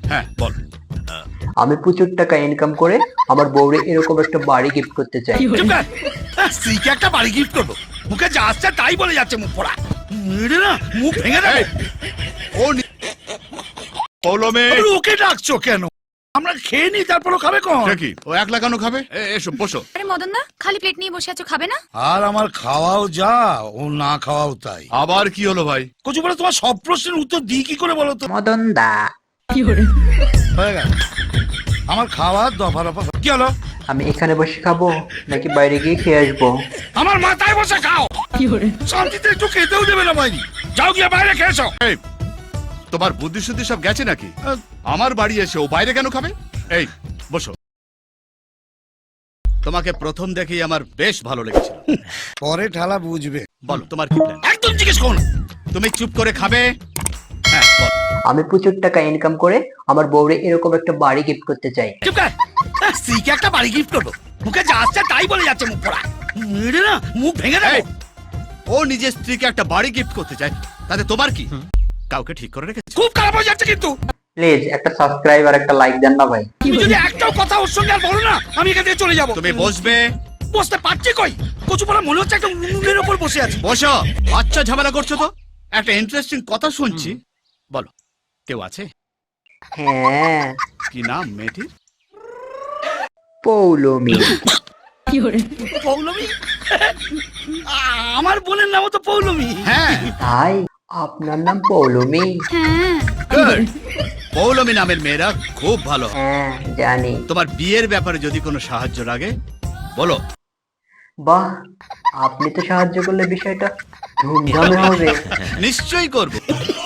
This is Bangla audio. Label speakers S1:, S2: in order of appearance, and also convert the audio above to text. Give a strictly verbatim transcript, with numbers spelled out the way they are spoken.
S1: হ্যাঁ বল।
S2: আমি প্রচুর টাকা ইনকাম করে আমার বউরে এরকম একটা বাড়ি গিফট করতে চাই।
S1: স্ত্রীকে একটা বাড়ি গিফট করবো, মুখে যা আসছে তাই বলে যাচ্ছে, মুখ পড়া মেরে না মুখ ভেঙে দেবে। ও পৌলমে ওকে ডাকছো কেন? আমরা খেয়ে নি, তারপরও খাবে কোন?
S3: কি ও একলা কেন খাবে? এসো বসো।
S4: আরে মদন দা, খালি প্লেট নিয়ে বসে আছো, খাবে না?
S1: আর আমার খাওয়াও যা, ও না খাওয়াও তাই।
S3: আবার কি হলো ভাই?
S1: কচু বলে তোমার সব প্রশ্নের উত্তর দিই কি করে বলো তো?
S2: মদন দা,
S1: হয়ে গেল আমার খাওয়া দফা রফা। কি হলো?
S2: আমি এখানে বসে খাবো নাকি বাইরে গিয়ে খেয়ে আসবো?
S1: আমার মাথায় বসে খাও। শান্তিতে একটু খেতেও দেবে না ভাই। যাও গিয়ে বাইরে খেয়েছো।
S3: এই তোমার বুদ্ধি শুদ্ধি সব গেছে নাকি? আমার বাড়ি এসে ও বাইরে কেন খাবে? এই বসো। তোমাকে প্রথম দেখেই আমার বেশ ভালো লেগেছিল।
S1: পরে ঠালা বুঝবে।
S3: বলো তোমার কি প্ল্যান?
S1: একদম জিজ্ঞেস করো না।
S3: তুমি চুপ করে খাবে। হ্যাঁ বল।
S2: আমি প্রচুর টাকা ইনকাম করে আমার বউরে এরকম একটা বাড়ি গিফট করতে চাই।
S1: চুপ কর। স্ত্রীকে একটা বাড়ি গিফট করবো, মুখে যা আসছে তাই বলে যাচ্ছে, মুখ পড়া মেরে না মুখ ভেঙে দেবে।
S3: এই, ও নিজের স্ত্রীকে একটা বাড়ি গিফট করতে চায়, তাতে তোমার কি? কাউকে ঠিক করে রেখেছে?
S1: খুব খারাপ হয়ে যাচ্ছে কিন্তু।
S2: প্লিজ একটা সাবস্ক্রাইব আর একটা লাইক দেন না ভাই।
S1: তুমি যদি একটাও কথা ওর সঙ্গে আর বলো না, আমি এখান থেকে চলে যাবো।
S3: তুমি বসবে।
S1: বসতে পারছি কই? কচু পড়া মনে হচ্ছে একটা উনুনের ওপর বসে আছে।
S3: বসো। আচ্ছা ঝামেলা করছো তো? একটা ইন্টারেস্টিং কথা শুনছি, বলো কেউ আছে?
S2: হ্যাঁ,
S3: কি নাম মেয়েটির?
S2: পৌলমী।
S1: পৌলমী? আমার বোনের নামও তো পৌলমী।
S3: হ্যাঁ
S2: তাই আপনার নাম পৌলমী?
S4: হ্যাঁ।
S3: গুড। পৌলমী নামের মেয়েরা খুব ভালো।
S2: হ্যাঁ জানি।
S3: তোমার বিয়ের ব্যাপারে যদি কোনো সাহায্য লাগে বলো।
S2: বাহ, আপনি তো সাহায্য করলে বিষয়টা ধুমধামে হবে।
S3: নিশ্চয়ই করবো।